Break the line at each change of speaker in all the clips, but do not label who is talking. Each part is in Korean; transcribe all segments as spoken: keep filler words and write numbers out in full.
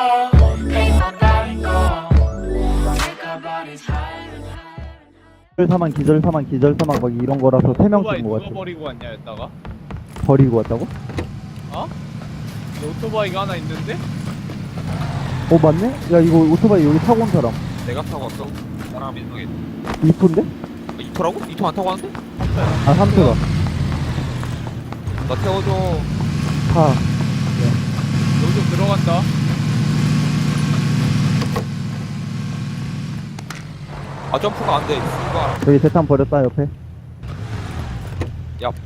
기절 사망 기절 사망 기절 사망 막 이런 거라서 세 명
오토바이
죽은 거
누가
같아.
버리고 왔냐 여기다가?
버리고 왔다고?
어? 여기 오토바이가 하나 있는데?
어 맞네? 야 이거 오토바이 여기 타고 온 사람
내가 타고 왔어. 나랑 민성이.
이토인데?
이토라고? 이토 안 타고 왔는데?
아 삼토다.
나 태워줘.
타.
여기 좀 들어간다.
아 점프가 안 돼. 씨발.
여기 대탄 버렸다 옆에.
야.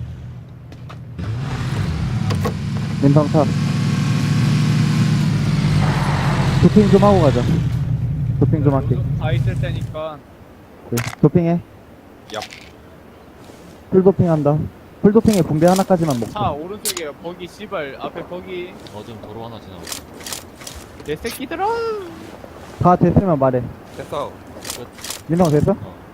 민성 타. 도핑 좀 하고 가자. 도핑 좀 할게.
다 있을 테니까.
그래. 도핑해.
야.
풀 도핑한다. 풀 도핑에 붕대 하나까지만 먹자.
차 오른쪽에 버기 씨발 앞에 버기
어좀 도로 하나 지나고.
내 새끼들아.
다 됐으면 말해.
됐어.
민성 됐어?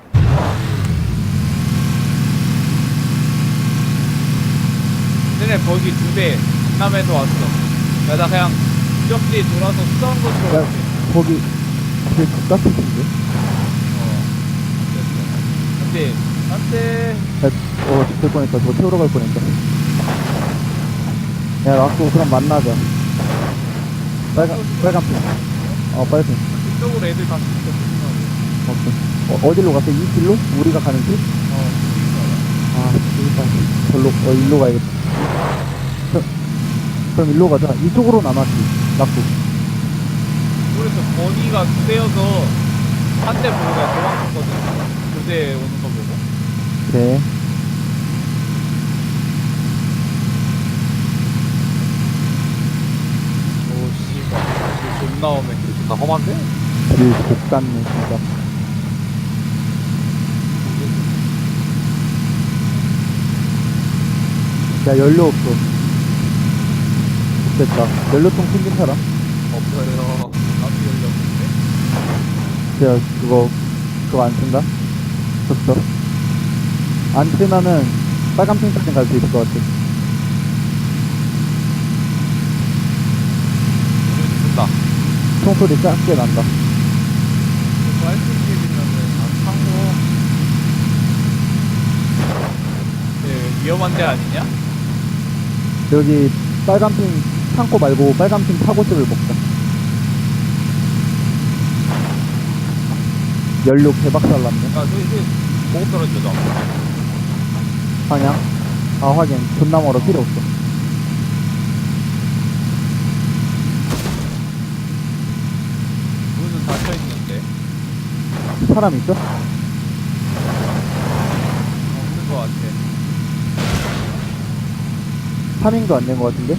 전에 버기 두 대 강남에서 왔어. 야 나 그냥 유적지 돌아서 수다운 거
야
들어갈게.
거기 되게 가깝은데?
어. 됐어. 안돼. 안돼.
어 죽을 뻔했다. 저거 태우러 갈 뻔했다. 야 라쿠 그럼 만나자. 빨간 빨간 핀. 어 빨간.
그쪽으로 애들 다 죽었어.
오케이. 어, 어디로 갔어? 이 길로? 우리가 가는 길?
어.
아, 일단 절로 어 일로 가야겠다. 저, 그럼 일로 가자. 이쪽으로 나눴지. 낙구.
그래서 버기가 두 대여서 한 대 보고 내가 도망갔거든. 두 대 오는 거 보고.
그래.
오 씨발. 길 존나 오네.
나 험한데?
길 족같네 진짜. 야 연료 없어. 됐다. 연료통 챙긴 사람?
없어요.
나도 열렸는데.
야 그거 그거 안 쓴다? 줬어. 안 쓰면은 빨간 핑까지 갈 수 있을 것 같아.
준다.
총소리 작게 난다.
빨간색이면은 안 타고. 네, 위험한 데 아니냐?
여기 빨간 핑 창고 말고 빨간 핑 타고집을 먹자. 연료 개박살 났네.
야, 저기, 저기, 보급 떨어지자.
방향? 아 확인. 존나 멀어. 필요 없어.
문은 닫혀 있는데.
사람 있어?
없는 거 같아.
파밍도 안 된 것 같은데?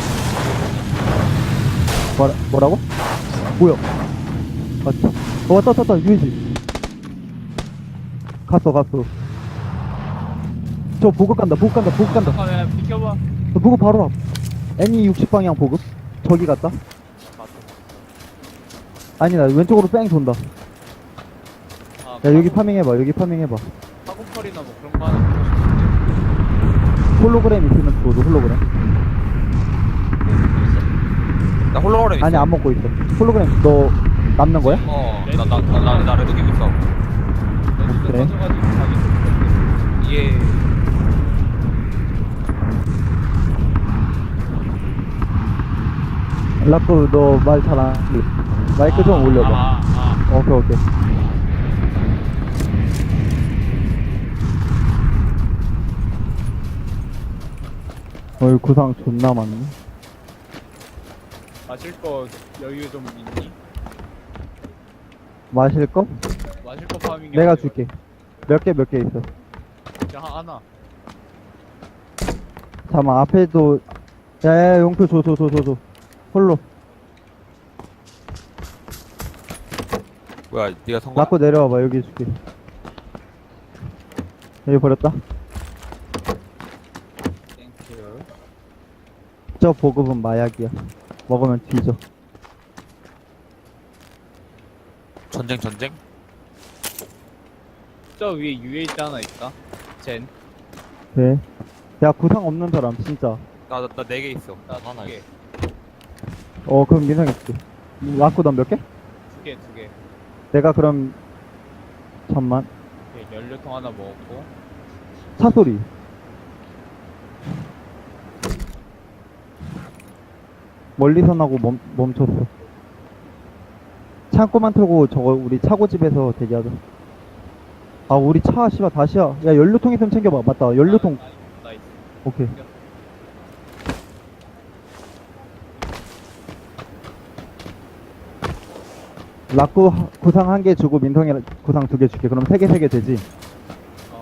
뭐라, 뭐라고? 뭐야? 맞지? 어, 왔다, 왔다, 왔다, 유해지. 갔어, 갔어. 저 보급 간다, 보급 간다, 보급 간다.
아, 야, 비켜봐.
저 보급 바로 앞. 애니 육십 방향 보급. 저기 갔다. 아니다, 왼쪽으로 뺑 돈다.
아,
야, 여기 파밍해봐, 여기 파밍해봐.
사고팔이나 뭐 그런 거 하나 보고 싶은데.
홀로그램 있으면 줘도 홀로그램.
나 홀로그램 있어.
아니, 안 먹고 있어. 홀로그램, 너 남는 거야?
어, 나, 나, 나, 나, 나 레드 기고 있어.
레지도
그래?
가져가지고 자기 좀
예.
라프, 너 말 잘 안, 마이크 좀 올려봐.
아, 아.
오케이, 오케이. 어이, 구상 존나 많네.
마실 거 여유 좀 있니?
마실 거?
마실 거 파밍이
내가
아니라
줄게. 몇 개, 몇 개 있어.
그냥 하나.
잠깐만, 앞에도, 야, 야, 용표 줘, 줘, 줘, 줘, 줘. 홀로.
뭐야, 니가 성공?
라코 내려와봐, 여기 줄게. 여기 버렸다.
땡큐.
저 보급은 마약이야. 먹으면 뒤져.
전쟁, 전쟁?
저 위에 유에이치 하나 있다. 젠.
네. 야, 구상 없는 사람, 진짜.
나, 나, 나 네 개 있어.
나
하나
두 개.
있어.
어, 그럼 민상 있지. 라쿠 넌 몇 개?
두 개, 두 개.
내가 그럼 잠만
오케이, 연료통 하나 먹었고.
차 소리. 멀리서 나고 멈, 멈췄어. 창고만 틀고 저거 우리 차고집에서 대기하자. 아 우리 차 씨발 다시야. 야 연료통 있으면 챙겨봐. 맞다 연료통.
나 있어.
오케이. 라쿠 하- 구상 한 개 주고 민성이 구상 두 개 줄게. 그럼 세 개 세 개 되지.
어.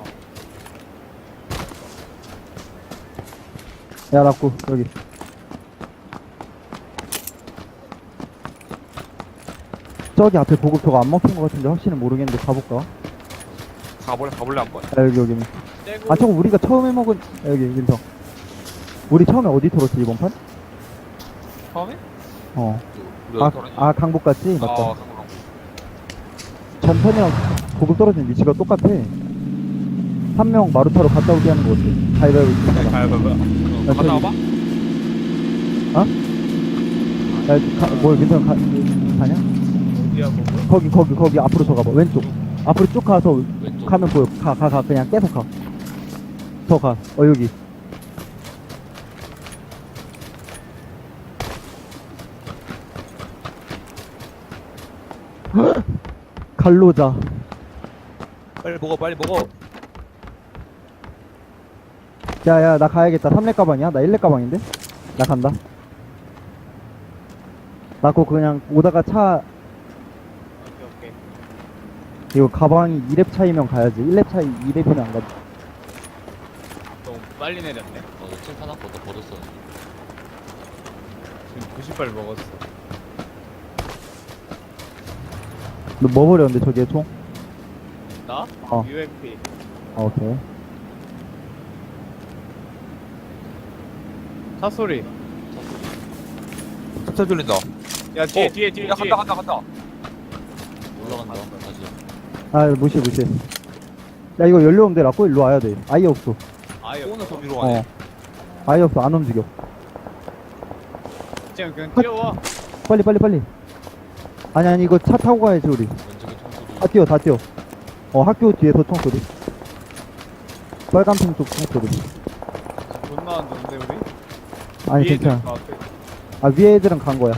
야 라쿠 여기. 저기 앞에 보급 저거 안 먹힌 것 같은데 확실히 모르겠는데 가볼까?
가볼래 가볼래 한번.
아 여기 여기.
떼고.
아 저거 우리가 처음에 먹은 아, 여기 민성. 우리 처음에 어디 털었지 이번 판?
처음에?
어.
우리
아,
어디 털었냐?
아 강북 갔지? 맞다.
어, 강북, 강북.
전편이랑 보급 떨어진 위치가 똑같아. 한 명 마루타로 갔다 오게 하는 거 어때? 가위바위보
네,
있다가.
가위바위보.
야,
갔다
저기-
와봐.
야, 가, 뭐 민성 가, 가냐?
어디야, 그거?
거기 거기 거기 앞으로 더 가봐. 왼쪽. 앞으로 쭉 가서
왼쪽.
가면 보여. 가 가 가 그냥 계속 가. 더 가. 어 여기. 갈로자.
빨리 먹어 빨리 먹어.
야야 나 가야겠다. 삼렙 가방이야? 나 일렙 가방인데? 나 간다. 나 그거 그냥 오다가 차
오케이, 오케이.
이거 가방이 이 렙 차이면 가야지. 일 렙 차이 이 렙이면 안 가지.
너무 빨리 내렸네.
어, 너 칠판 아까 너 버렸어.
지금 구십 발 먹었어.
너 뭐 버렸는데 저기에 총?
나?
어.
유엠피.
어, 오케이.
차 소리.
차 들린다.
야, 뒤에,
어,
뒤에, 뒤에.
야
뒤에.
간다 간다 간다.
올라간다. 다시.
아 무시해 무시해. 야 이거 연료 없는데 라고 일로 와야 돼. 아예 없어.
아예
오는
없어.
소리로 가네.
어. 아예 없어. 안 움직여.
지금 그냥 뛰어와.
빨리 빨리 빨리. 아니 아니 이거 차 타고 가야지 우리.
왼쪽에 총소리.
다 뛰어 다 뛰어. 어 학교 뒤에서 총소리. 빨간 핑 쪽 총소리.
존나 안 좋은데, 우리?
아니
위에
괜찮아.
있는 것 같아.
아 위에 애들은 간 거야.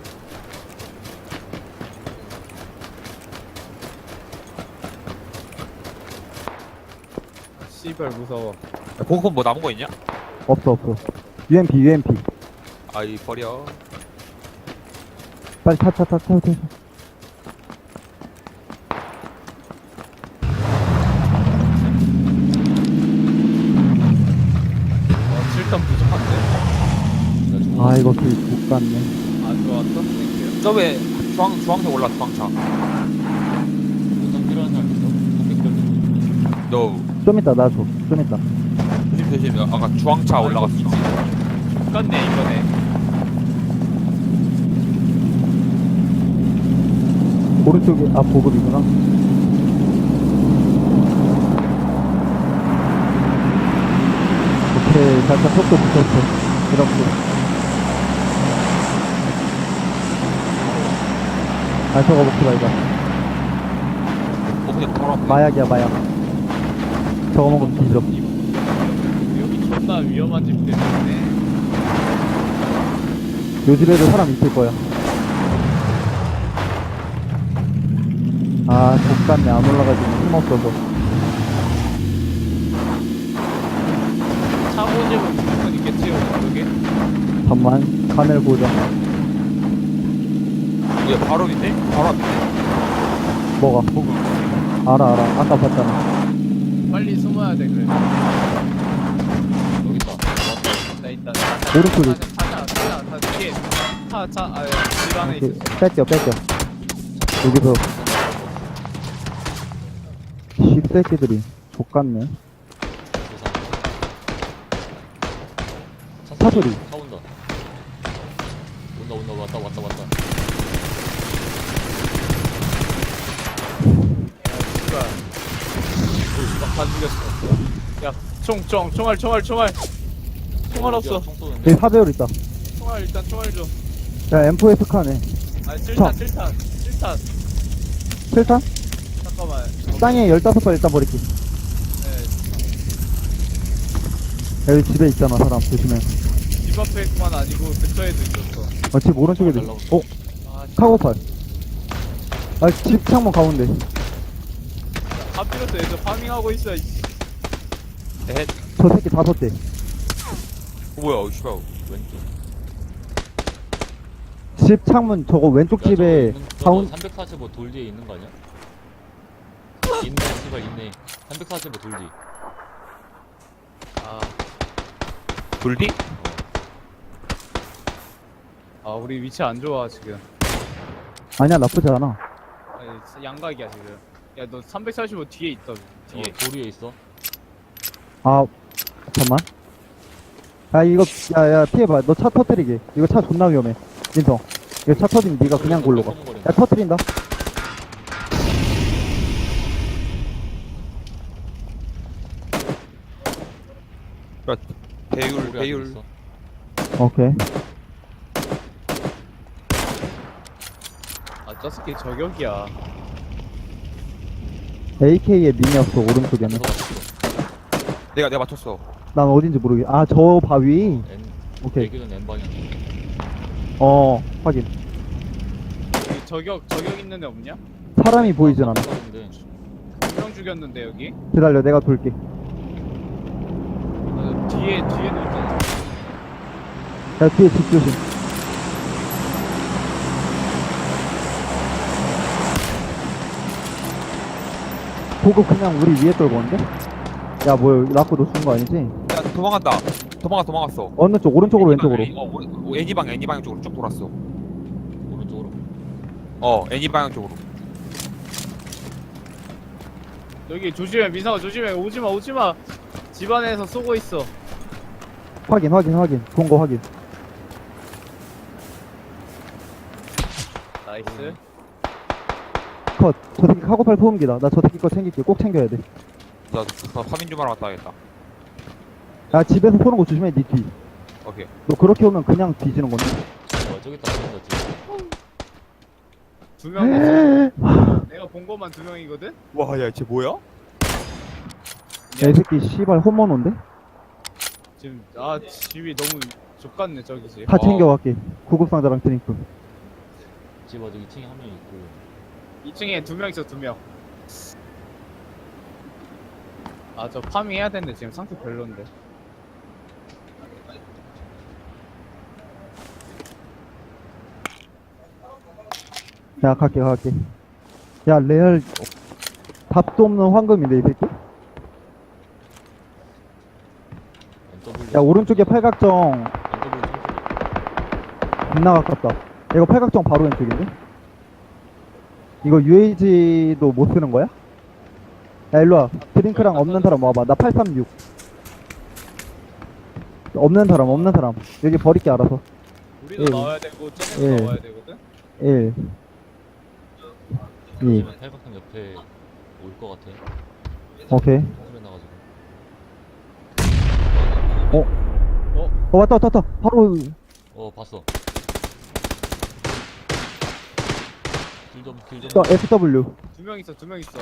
씨발, 무서워.
야, 보급 뭐 남은 거 있냐?
없어 없어. 유엠피 유엠피.
아이 버려.
빨리 타 타 타 타 타.
어, 칠 점 부족한데?
아 이거 길못 갔네.
안 좋았어? 땡큐.
저왜 주황 주황색 올라 주황차.
보상 필요한 사람 있어? 컴퓨터.
너
좀 이따 나 줘. 좀 이따.
조심 조심. 아까 주황차 올라갔어.
똑같네, 이번에.
오른쪽에 아 보급이구나. 오케이 살짝 속도 붙였어. 이렇게. 아 저거 먹지 말자.
어 그냥 바로 앞에.
마약이야 마약. 저거 먹으면 뒤져.
여기 존나 위험한 집 때문에.
요 집에도 사람 있을 거야. 아 족같네 안 올라가지고 힘없어서.
차고집은 무조건 있겠지, 오른쪽에?
잠만 카멜 보자.
얘 바로 밑에? 바로 앞에.
뭐가?
보급.
알아 알아 아까 봤잖아.
빨리 숨어야 돼, 그래.
여기 있다.
나 일단.
오른쪽에.
타자, 타자, 타자. 뒤에. 차, 차, 아, 집 안에
이렇게
있어.
뺄게요 뺄게요. 여기서 씹새끼들이 족같네. 차 소리.
차 온다. 온다 온다 왔다 왔다 왔다.
씨발. 막다 죽였어. 야, 총, 총, 총알, 총알, 총알. 총알 없어.
총 쏘는데.
여기 사배율 있다.
총알, 일단 총알 줘.
야 엠포에스 카네.
아니 칠탄 칠탄 칠탄
칠탄?
잠깐만
땅에 열다섯 발 일단 버릴게.
네,
여기 집에 있잖아, 사람. 조심해.
집 앞에만 아니고 근처에도 있었어.
어, 집 오른쪽에도 있어. 어,
아, 씨.
카고팔. 아, 집 창문 가운데.
하필이면 애들 파밍하고 있어. 이씨.
에헷.
저 새끼 다섯 대.
어, 뭐야, 씨발.
왼쪽.
집 창문, 저거 왼쪽 집에 가운,
삼백사십오 돌 뒤에 있는 거 아니야? 있네, 씨발 있네. 삼백사십오 돌 뒤.
아,
돌디?
아, 우리 위치 안 좋아 지금.
아니야, 나쁘지 않아.
아니, 양각이야 지금. 야, 너 삼백사십오 뒤에 있다. 뒤에.
어, 돌 위에 있어.
아, 잠깐만. 야, 이거, 야, 야, 피해봐. 너 차 터뜨리게. 이거 차 존나 위험해. 민성. 이거 차 터지면 네가 그냥 골로 가. 야, 터뜨린다.
배율, 배율.
오케이.
아, 저 새끼 저격이야.
에이케이의 미니였어, 오른쪽에는.
내가, 내가 맞췄어.
난 어딘지 모르겠. 아, 저 바위.
N,
오케이.
대기는 N 방향.
어, 확인.
여기 저격 저격 있는 애 없냐?
사람이 보이진 않아.
근데
두 명 죽였는데 여기.
기다려, 내가 돌게.
아, 뒤에 뒤에도 있잖아.
야, 뒤에 집 조심. 보고 그냥 우리 위에 떨고 온데? 야, 뭐야, 라코 너 죽은 거 아니지?
야, 도망간다. 도망가, 도망갔어.
어느 쪽? 오른쪽으로, 왼쪽으로?
애니 방, 어, 오- 애니 방, 애니 방향 쪽으로 쭉 돌았어.
오른쪽으로.
어, 애니 방향 쪽으로.
여기 조심해 민상아 조심해. 오지마 오지마. 집안에서 쏘고 있어.
확인, 확인, 확인. 본 거 확인.
나이스.
컷. 저 새끼 카고팔 소음기다. 나 저 새끼 거 챙길게. 꼭 챙겨야 돼.
나, 나 파민 좀 하러 갔다 와야겠다.
야, 집에서 쏘는 거 조심해, 니 뒤.
오케이.
너 그렇게 오면 그냥 뒤지는 건데?
어, 저기 있다, 저기 있다, 지금.
두 명. 내가 본 것만 두 명이거든.
와, 야, 쟤 뭐야?
야, 이 새끼 씨발 홈모노인데?
지금 아 집이 너무 좁같네 저기 집.
다
어.
챙겨갈게. 구급상자랑 드링크.
집 어디 이 층에 한 명 있고.
이 층에 두 명 있어 두 명. 아 저 파밍 해야 되는데 지금 상태 별론데.
야, 갈게, 갈게. 야, 레알, 답도 없는 황금인데, 이 새끼?
엔더블.
야, 오른쪽에 팔각정,
엔더블 층
겁나 가깝다. 이거 팔각정 바로 왼쪽인데? 이거 유에이지도 못 쓰는 거야? 야, 일로와. 드링크랑 없는 사람 와봐. 나 팔삼육. 없는 사람, 없는 사람. 여기 버릴게, 알아서.
우리도
예.
나와야 되고 쟤네도
예.
나와야 되거든.
일. 이.
팔각형 옆에 올 것 같아.
오케이.
소리 나가지고.
어? 어, 왔다, 왔다, 왔다. 바로,
어, 봤어. 길좀 길좀.
또 에프더블유.
두 명 있어 두 명 있어.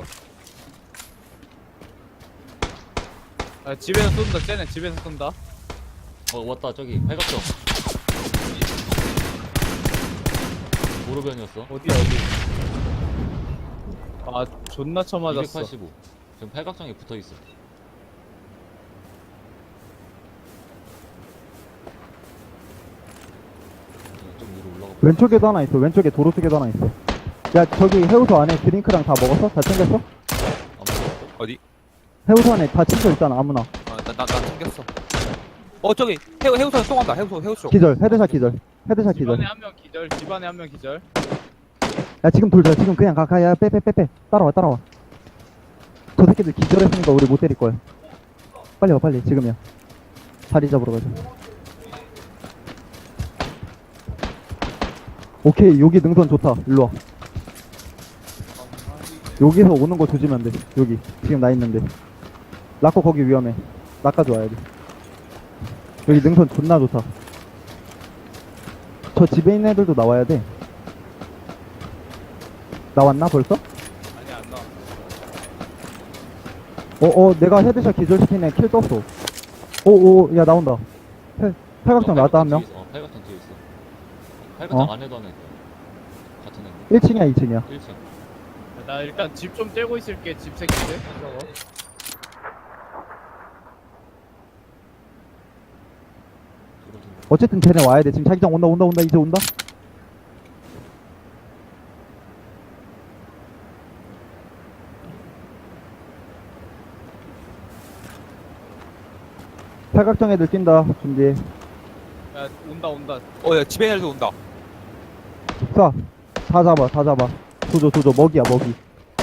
아 집에서 쏜다 쟤네 집에서 쏜다.
어, 왔다 저기 팔각정. 도로변이었어.
어디야 어디. 아 존나 쳐맞았어.
이백팔십오. 지금 팔각정에 붙어 있어. 좀 위로 올라가. 봐.
왼쪽에도 하나 있어. 왼쪽에 도로 쪽에도 하나 있어. 야, 저기 해우소 안에 드링크랑 다 먹었어? 다 챙겼어?
안 먹었어?
어디?
해우소 안에 다 챙겨 있잖아, 아무나.
어, 나, 나, 나 챙겼어. 어, 저기, 해우, 해우선 쏘간다. 해우소, 해우소.
기절, 헤드샷 기절. 헤드샷 기절.
집안에 한 명 기절. 집안에 한 명 기절.
야, 지금 돌자. 지금 그냥 가, 가. 야, 빼, 빼, 빼, 빼. 따라와, 따라와. 저 새끼들 기절했으니까 우리 못 때릴 거야. 빨리 와, 빨리. 지금이야. 자리 잡으러 가자. 오케이, 여기 능선 좋다. 일로 와. 여기서 오는 거 조지면 안 돼. 여기. 지금 나 있는데. 라코 거기 위험해. 나까지 와야 돼. 여기 능선 존나 좋다. 저 집에 있는 애들도 나와야 돼. 나왔나 벌써?
아니 안 나와.
어어 내가 헤드샷 기절시킨 애 킬 떴어. 오오 야 나온다. 팔- 팔각정 나왔다 한 명.
뒤에 있어. 어, 팔각정 뒤에 있어. 팔각정
어?
안에도 하나 있어. 같은 애.
일 층이야 이 층이야.
일 층.
나 일단 집 좀 떼고 있을게. 집 새끼들. 저거.
어쨌든 쟤네 와야 돼. 지금 자기장 온다 온다 온다 이제 온다. 팔각정 애들 뛴다. 준비.
야 온다 온다.
어야 집에 애들도 온다.
쏴. 다 잡아 다 잡아. 조져 조져 먹이야 먹이.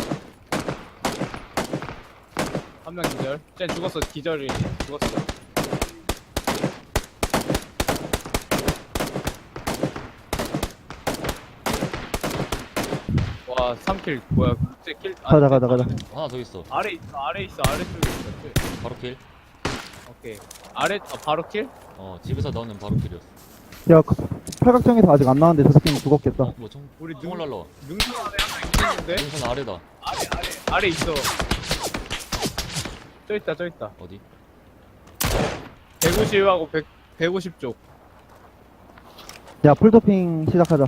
한 명 기절. 쟤 죽었어. 기절이 죽었어. 와 삼 킬 뭐야? 쟤 킬. 아,
가자 가자 가자.
하나 더 있어.
아래 있어. 아래 있어. 아래 쪽에 있어.
바로 킬.
오케이. 아래 아, 바로 킬?
어, 집에서 나오는 바로 킬이었어.
야 그- 팔각정에서 아직 안 나왔는데 저 새끼는 죽었겠다.
어, 뭐 총,
우리
총을
눈-
날라.
능선 안에 하나 있는데?
능선 아래다.
아래 아래 아래 있어. 저 있다 저 있다.
어디?
백오십하고 백 백오십 쪽.
야 풀도핑 시작하자.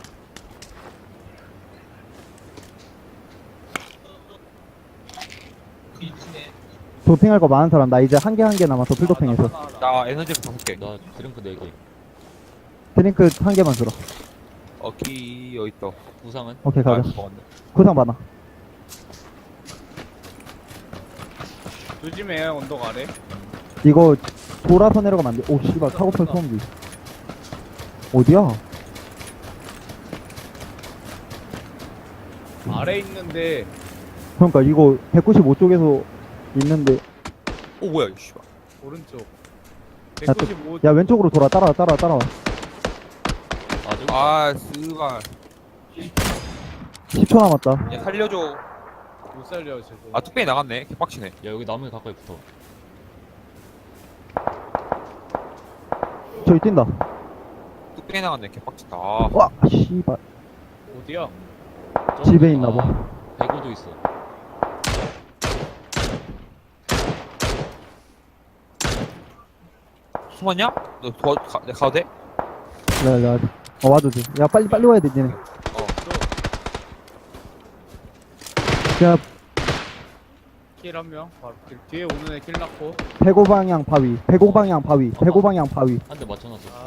도핑할 거 많은 사람 나 이제 한 개 한 개 남았어 풀도핑에서.
나 에너지 다섯 개.
나 드링크 네 개.
드링크 한 개만 들어.
어키 여기 있다.
부상은?
오케이
아,
가자.
먹었네.
구상 많아.
조심해 언덕 아래.
이거 돌아서 내려가면 안 돼. 오 씨발 카고팔 소음기. 어디야?
아래 있는데
그러니까 이거 백구십오 쪽에서 있는데.
오 뭐야 이씨.
오른쪽.
야, 또-
백오십오.
야 왼쪽으로 돌아. 따라와 따라와 따라와.
아, 저기.
아 스발.
십 초 남았다.
야 살려줘.
못 살려 저거.
아 뚝배기 나갔네. 개빡치네.
야, 여기 나무에 가까이 붙어.
저기 뛴다.
뚝배기 나갔네. 개빡치다. 아,
와 씨발.
어디야?
저기-
집에 있나 봐.
아, 배구도 있어.
숨었냐? 너 도와 가, 내가 가도 돼?
네, 네. 어 와도 돼. 야 빨리 빨리 와야 돼 니네. 야
킬 한 명. 바로 킬. 뒤에 오는 애 킬 났고.
백오 방향 바위. 백오 방향 바위. 백오 방향 바위.
한 대 맞춰놨어.
아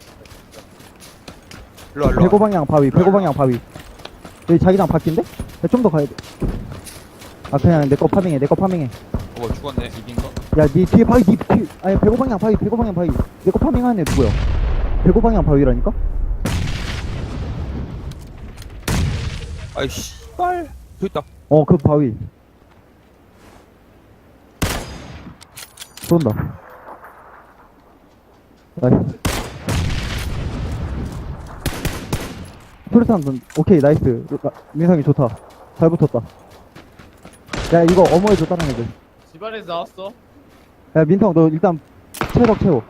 일로 와 일로
백오
와.
방향 바위. 백오 방향 바위. 여기 자기장 바뀐데? 좀 더 가야 돼. 아 그냥 내 거 파밍해. 내 거 파밍해.
어 뭐 죽었네.
집인가?
야, 니 뒤에 바위, 니 뒤에, 아니, 백오 방향 바위, 백오 방향 바위. 내 거 파밍하는 애 누구야? 백오 방향 바위라니까?
아이 씨발. 저기 있다.
어, 그 바위. 쏜다. 나이스. 투르산 돈, 오케이, 나이스. 나- 민상이 좋다. 잘 붙었다. 야, 이거 어머해줘, 다른 애들.
집안에서 나왔어.
야, 민성, 너 일단 체력 채워.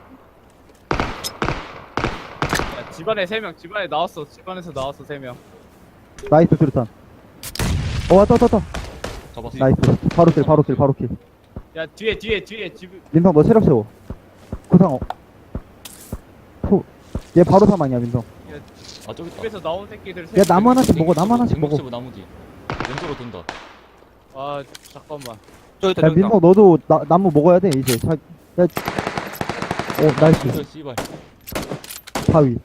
야 집안에 세 명. 집안에 나왔어. 집안에서 나왔어 세 명.
나이스, 투르산. 어, 왔다, 왔다, 왔다.
잡았어.
나이스. 바로 킬, 바로 킬, 바로 킬.
야 뒤에 뒤에 뒤에 집.
민성 너 체력 채워. 구상 어. 포. 얘 바로 사망이야 민성.
아, 저기 있다.
집에서 나온 새끼들 세
야 나무
명.
하나씩 먹어. 나무 하나씩 먹어.
쟁목집은 나무 뒤. 왼쪽으로 돈다.
아 잠깐만.
저기 있다
야
저기 있다.
민성 너도 나, 나무 먹어야 돼 이제. 자, 야. 어 나이스.
이거 씨발.
바위.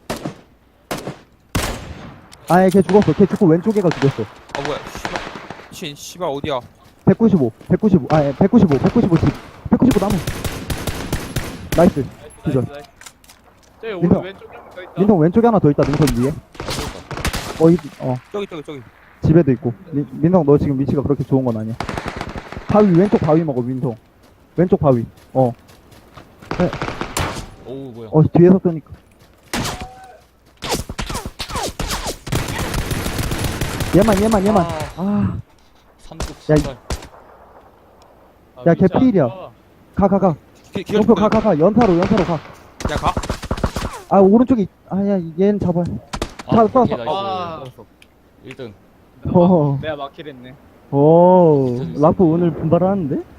아예 걔 죽었어. 걔 죽고 왼쪽 애가 죽었어.
아 뭐야 씨발. 신 씨발 어디야?
백구십오. 백구십오. 아 예, 백구십오. 백구십오 집. 백구십오 나무. 나이스.
나이스
기절.
나이스 나이스. 저기
민성.
오른 왼쪽에 한 명 더 있다.
민성 왼쪽에 하나 더 있다. 민성 위에.
아, 저기 있다.
어, 이, 어
저기 저기 저기.
집에도 있고. 민, 민성 너 지금 위치가 그렇게 좋은 건 아니야. 바위 왼쪽 바위 먹어 민성. 왼쪽 바위. 어.
오우, 뭐야.
어 뒤에서 쏘니까. 얘만 얘만 얘만.
아,
아.
삼국
야, 이-
씨발.
아,
야,
위치
걔 필이야.
안 좋아.
가, 가, 가.
기, 기어
목표 가, 가, 가. 연타로, 연타로 가.
야 가.
아, 오른쪽에, 있- 아, 야, 얘는 잡아.
아,
자,
오케이,
쏴, 쏴.
나이스.
아
일 등.
내가,
어.
막, 내가 막힐했네.
오,
진짜
라프 오늘 분발하는데?